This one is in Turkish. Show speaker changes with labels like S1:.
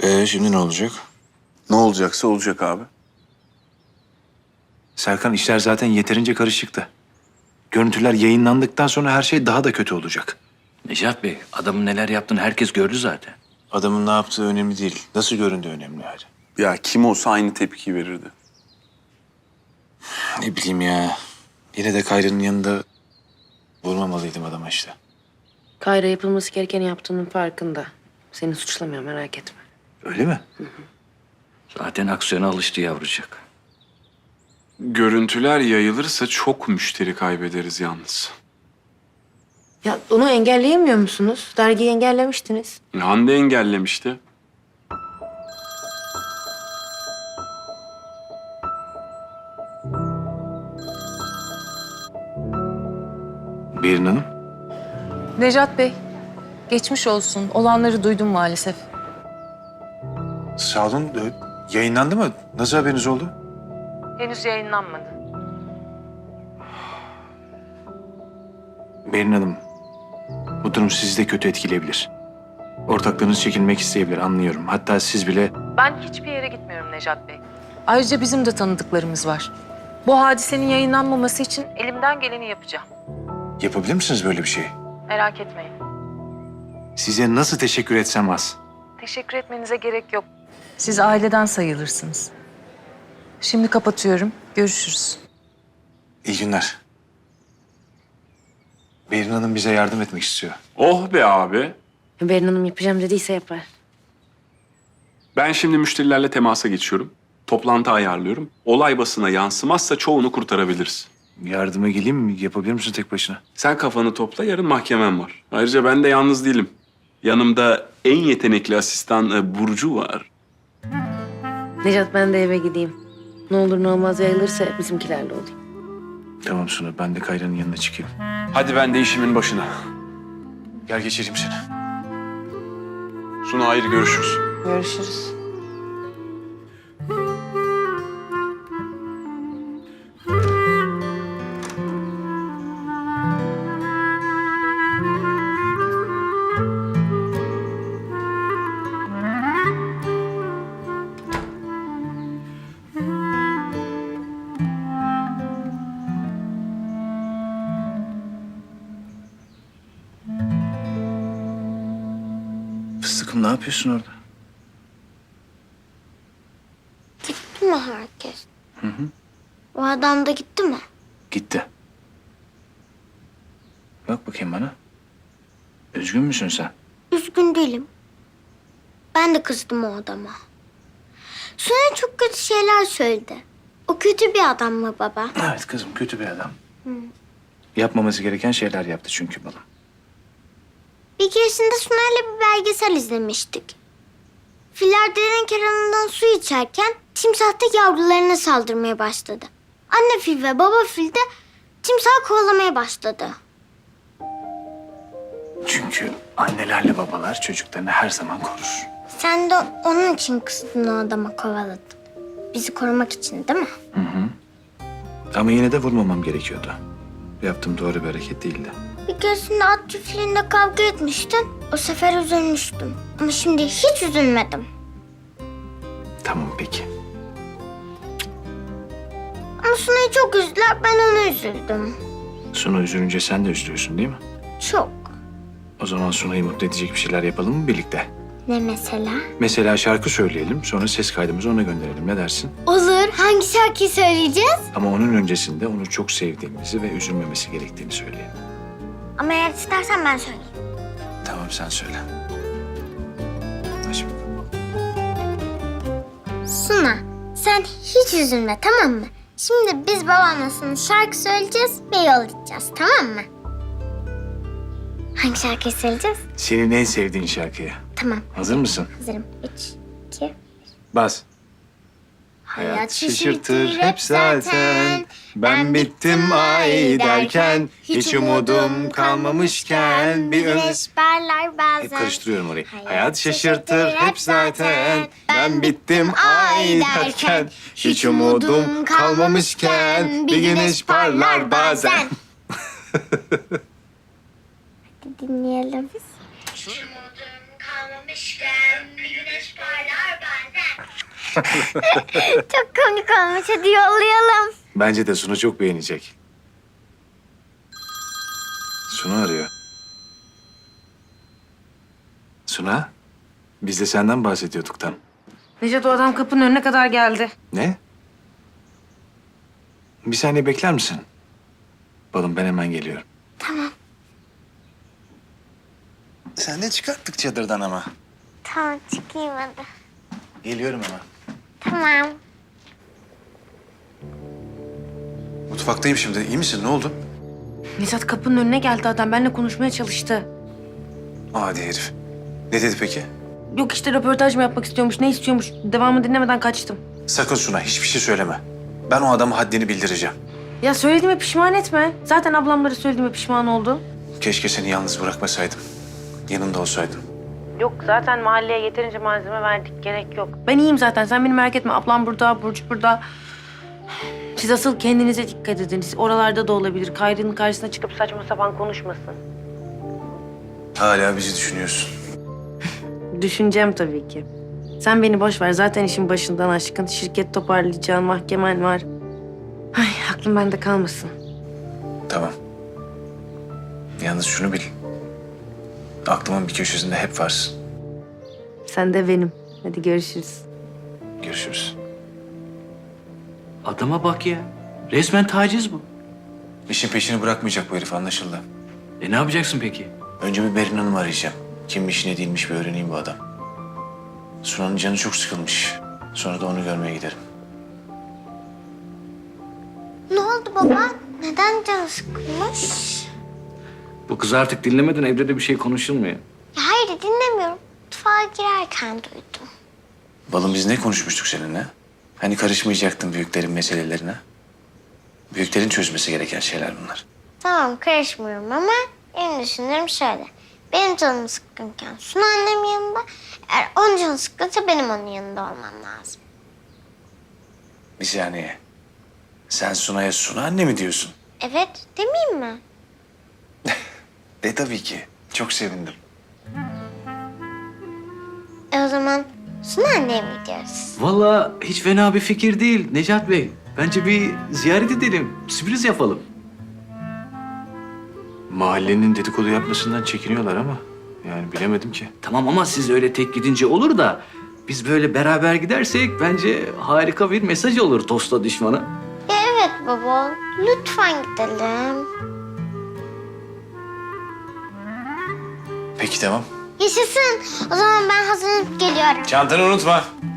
S1: Şimdi ne olacak?
S2: Ne olacaksa olacak abi.
S1: Serkan, işler zaten yeterince karışıktı. Görüntüler yayınlandıktan sonra her şey daha da kötü olacak.
S3: Necat Bey, adamın neler yaptığını herkes gördü zaten.
S1: Adamın ne yaptığı önemli değil. Nasıl göründüğü önemli yani.
S2: Ya kim olsa aynı tepkiyi verirdi.
S1: Ne bileyim ya. Yine de Kayra'nın yanında vurmamalıydım adama işte.
S4: Kayra yapılması gerekeni yaptığının farkında. Seni suçlamıyor, merak etme.
S1: Öyle mi?
S3: Zaten aksiyona alıştı yavrucak.
S5: Görüntüler yayılırsa çok müşteri kaybederiz yalnız.
S4: Ya onu engelleyemiyor musunuz? Dergiyi engellemiştiniz.
S5: Hande engellemişti.
S1: Berin Hanım.
S6: Necat Bey, geçmiş olsun. Olanları duydum maalesef.
S1: Sağ olun. Yayınlandı mı? Nasıl haberiniz oldu?
S6: Henüz yayınlanmadı.
S1: Berin Hanım, bu durum sizi de kötü etkileyebilir. Ortaklarınız çekilmek isteyebilir, anlıyorum. Hatta siz bile...
S6: Ben hiçbir yere gitmiyorum Necat Bey. Ayrıca bizim de tanıdıklarımız var. Bu hadisenin yayınlanmaması için elimden geleni yapacağım.
S1: Yapabilir misiniz böyle bir şey?
S6: Merak etmeyin.
S1: Size nasıl teşekkür etsem az.
S6: Teşekkür etmenize gerek yok. Siz aileden sayılırsınız. Şimdi kapatıyorum. Görüşürüz.
S1: İyi günler. Berin Hanım bize yardım etmek istiyor.
S5: Oh be abi.
S4: Berin Hanım yapacağım dediyse yapar.
S5: Ben şimdi müşterilerle temasa geçiyorum. Toplantı ayarlıyorum. Olay basına yansımazsa çoğunu kurtarabiliriz.
S1: Yardıma geleyim mi? Yapabilir misin tek başına?
S5: Sen kafanı topla, yarın mahkemem var. Ayrıca ben de yalnız değilim. Yanımda en yetenekli asistan Burcu var.
S4: Necat, ben de eve gideyim. Ne olur ne olmaz yayılırsa bizimkilerle olayım.
S1: Tamam Suna, ben de Kayra'nın yanına çıkayım.
S5: Hadi ben de işimin başına.
S1: Gel geçireyim seni.
S5: Suna, hayır, görüşürüz.
S4: Görüşürüz.
S1: Fıstıkım, ne yapıyorsun orada?
S7: Gitti mi herkes? O adam da gitti mi?
S1: Gitti. Bak bakayım bana. Üzgün müsün sen?
S7: Üzgün değilim. Ben de kızdım o adama. Sonra çok kötü şeyler söyledi. O kötü bir adam mı baba?
S1: Evet kızım, kötü bir adam. Yapmaması gereken şeyler yaptı çünkü balım.
S7: Bir keresinde Sunay'la bir belgesel izlemiştik. Filler derin kenarından su içerken timsah da yavrularına saldırmaya başladı. Anne fil ve baba fil de timsahı kovalamaya başladı.
S1: Çünkü annelerle babalar çocuklarını her zaman korur.
S7: Sen de onun için kızdın, o adama kovaladın. Bizi korumak için değil mi?
S1: Ama yine de vurmamam gerekiyordu. Yaptığım doğru bir hareket değildi.
S7: Bir keresinde at çiftliğinde kavga etmiştin. O sefer üzülmüştüm. Ama şimdi hiç üzülmedim.
S1: Tamam peki.
S7: Ama Sunay'ı çok üzdüler, ben ona üzüldüm.
S1: Suna üzülünce sen de üzülüyorsun değil mi?
S7: Çok.
S1: O zaman Suna'yı mutlu edecek bir şeyler yapalım mı birlikte?
S7: Ne mesela?
S1: Mesela şarkı söyleyelim, sonra ses kaydımızı ona gönderelim. Ne dersin?
S7: Olur. Hangi şarkıyı söyleyeceğiz?
S1: Ama onun öncesinde onu çok sevdiğimizi ve üzülmemesi gerektiğini söyleyelim.
S7: Ama eğer istersen ben söyleyeyim.
S1: Tamam, sen söyle. Hadi.
S7: Suna, sen hiç üzülme, tamam mı? Şimdi biz babamla sana şarkı söyleyeceğiz ve yol gideceğiz, tamam mı? Hangi şarkıyı söyleyeceğiz?
S1: Senin en sevdiğin şarkıyı.
S7: Tamam,
S1: Hazır mısın?
S7: hazırım. 3, 2...
S1: Bas. Hayat şaşırtır hep zaten. Ben bittim ay derken, hiç umudum kalmamışken bir
S7: güneş parlar bazen.
S1: Hep karıştırıyorum orayı. Hayat şaşırtır hep zaten. Ben bittim ay derken, hiç umudum kalmamışken bir güneş parlar bazen.
S7: Hadi dinleyelim.
S8: Durmadan
S7: kalmamışken bir güneş parlar bazen. Çok komik olmuş. Hadi yollayalım.
S1: Bence de Suna çok beğenecek. Suna arıyor. Suna, biz de senden bahsediyorduk tam.
S4: Necat, o adam kapının önüne kadar geldi.
S1: Ne? Bir saniye bekler misin? Balım, ben hemen geliyorum. Sen de çıkarttık çadırdan ama.
S7: Tamam, çıkayım hadi.
S1: Geliyorum hemen.
S7: Tamam.
S1: Mutfaktayım şimdi. İyi misin? Ne oldu?
S4: Necat, kapının önüne geldi adam. Benimle konuşmaya çalıştı.
S1: Adi herif. Ne dedi peki?
S4: Yok işte, röportaj mı yapmak istiyormuş, ne istiyormuş. Devamı dinlemeden kaçtım.
S1: Sakın Suna, hiçbir şey söyleme. Ben o adama haddini bildireceğim.
S4: Ya söylediğime pişman etme. Zaten ablamlara söylediğime pişman oldu.
S1: Keşke seni yalnız bırakmasaydım. Yanında olsaydım.
S4: Yok, zaten mahalleye yeterince malzeme verdik. Gerek yok. Ben iyiyim zaten. Sen beni merak etme. Ablam burada, Burcu burada. Siz asıl kendinize dikkat edin. Siz oralarda da olabilir. Kayrı'nın karşısına çıkıp saçma sapan konuşmasın.
S1: Hala bizi düşünüyorsun.
S4: Düşüneceğim tabii ki. Sen beni boş ver. Zaten işin başından aşkın. Şirket toparlayacağın, mahkemen var. Ay, aklım bende kalmasın.
S1: Tamam. Yalnız şunu bil. Aklımın bir köşesinde hep varsın.
S4: Sen de benim. Hadi görüşürüz.
S1: Görüşürüz.
S3: Adama bak ya. Resmen taciz bu.
S1: İşin peşini bırakmayacak bu herif, anlaşıldı.
S3: Ne yapacaksın peki?
S1: Önce bir Berin Hanım'ı arayacağım. Kimmiş ne değilmiş bir öğreneyim bu adam. Sunan'ın canı çok sıkılmış. Sonra da onu görmeye giderim.
S7: Ne oldu baba? Neden canı sıkılmış?
S3: Bu kız artık dinlemeden evde de bir şey konuşulmuyor.
S7: Ya hayır, dinlemiyorum. Mutfağa girerken duydum.
S1: Balım, biz ne konuşmuştuk seninle? Hani karışmayacaktın büyüklerin meselelerine? Büyüklerin çözmesi gereken şeyler bunlar.
S7: Tamam, karışmıyorum ama benim düşüncem şöyle. Benim canım sıkkınken Suna annem yanında. Eğer onun canı sıkkınsa benim onun yanında olmam lazım.
S1: Bir saniye. Sen Suna'ya Suna anne mi diyorsun?
S7: Evet, demeyeyim mi?
S1: De tabii ki. Çok sevindim.
S7: O zaman Suna anneye mi gidiyoruz?
S3: Vallahi hiç fena bir fikir değil Necat Bey. Bence bir ziyaret edelim. Sürpriz yapalım.
S1: Mahallenin dedikodu yapmasından çekiniyorlar ama yani bilemedim ki.
S3: Tamam ama siz öyle tek gidince olur da biz böyle beraber gidersek bence harika bir mesaj olur dosta düşmana.
S7: Ya evet baba, lütfen gidelim.
S1: Peki tamam.
S7: Yaşasın. O zaman ben hazırlanıp geliyorum.
S1: Çantanı unutma.